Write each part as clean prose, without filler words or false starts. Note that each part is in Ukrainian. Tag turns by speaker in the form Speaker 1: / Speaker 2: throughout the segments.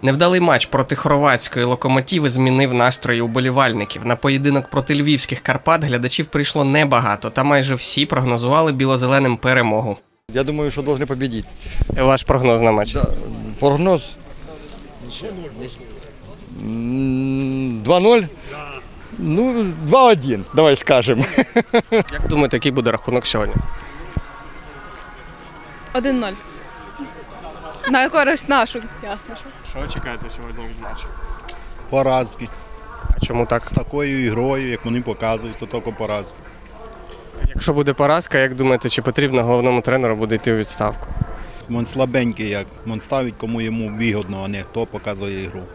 Speaker 1: Невдалий матч проти хорватської «Локомотиви» змінив настрої уболівальників. На поєдинок проти львівських «Карпат» глядачів прийшло небагато, та майже всі прогнозували білозеленим перемогу.
Speaker 2: Я думаю, что должны победить.
Speaker 1: Ваш прогноз на матч?
Speaker 2: Да, прогноз 2-0. Ну, 2-1, давай скажем.
Speaker 1: Як думаєте, який буде рахунок сьогодні?
Speaker 3: 1-0. На користь нашу, ясно.
Speaker 1: Що чекаєте сьогодні від матчу?
Speaker 4: Поразки.
Speaker 1: А чому так?
Speaker 4: Такою ігрою, як вони показують, то тільки поразки.
Speaker 1: Якщо буде поразка, як думаєте, чи потрібно головному тренеру буде йти у відставку?
Speaker 4: Він слабенький, як він ставить, кому йому вигідно, а не хто показує ігру.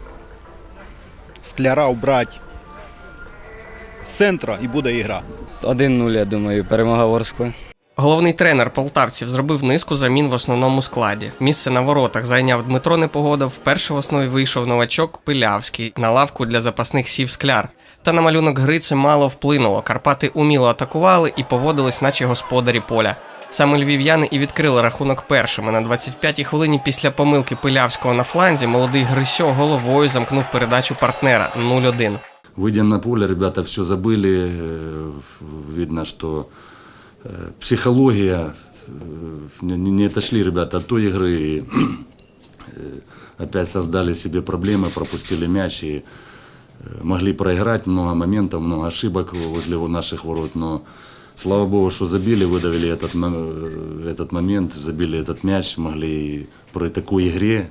Speaker 4: Скляра убрати з центру і буде ігра.
Speaker 5: 1-0, я думаю, перемога Ворскли.
Speaker 1: Головний тренер полтавців зробив низку замін в основному складі. Місце на воротах зайняв Дмитро Непогода, вперше в основі вийшов новачок Пилявський, на лавку для запасних сів Скляр. Та на малюнок гри це мало вплинуло. Карпати уміло атакували і поводились, наче господарі поля. Саме львів'яни і відкрили рахунок першими. На 25-й хвилині після помилки Пилявського на фланзі молодий Грисьо головою замкнув передачу партнера 0-1.
Speaker 6: Выйдя на поле, ребята все забыли. Видно, что психология, не отошли ребята от той игры. И опять создали себе проблемы, пропустили мяч и могли проиграть. Много моментов, много ошибок возле наших ворот. Но слава богу, что забили, выдавили этот момент, забили этот мяч. Могли при такой игре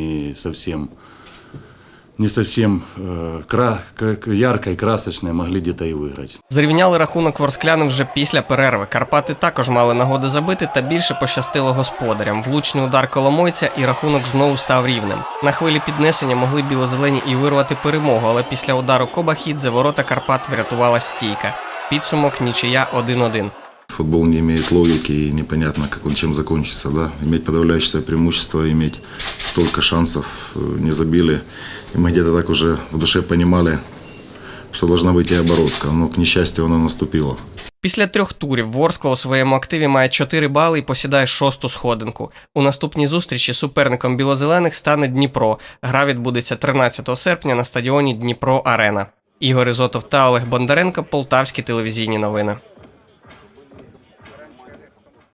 Speaker 6: не совсем яркой, красочной, могли где-то и выиграть.
Speaker 1: Зрівняли рахунок ворсклянам вже після перерви. Карпати також мали нагоди забити, та більше пощастило господарям. Влучний удар Коломойця і рахунок знову став рівним. На хвилі піднесення могли білозелені і вирвати перемогу, але після удару Кобахідзе ворота Карпат врятувала стійка. Підсумок нічия 1-1.
Speaker 7: Футбол не имеет логики и непонятно, как он чем закончится. Да? Иметь подавляющее преимущество, иметь столько шансов, не забили. И мы где-то так уже в душе понимали, что должна быть и оборотка. Но, к несчастью, она наступила.
Speaker 1: Після 3 турів Ворскла у своєму активі має 4 бали і посідає 6-ту сходинку. У наступній зустрічі суперником білозелених стане Дніпро. Гра відбудеться 13 серпня на стадіоні Дніпро-Арена. Ігор Ізотов та Олег Бондаренко, Полтавські телевізійні новини.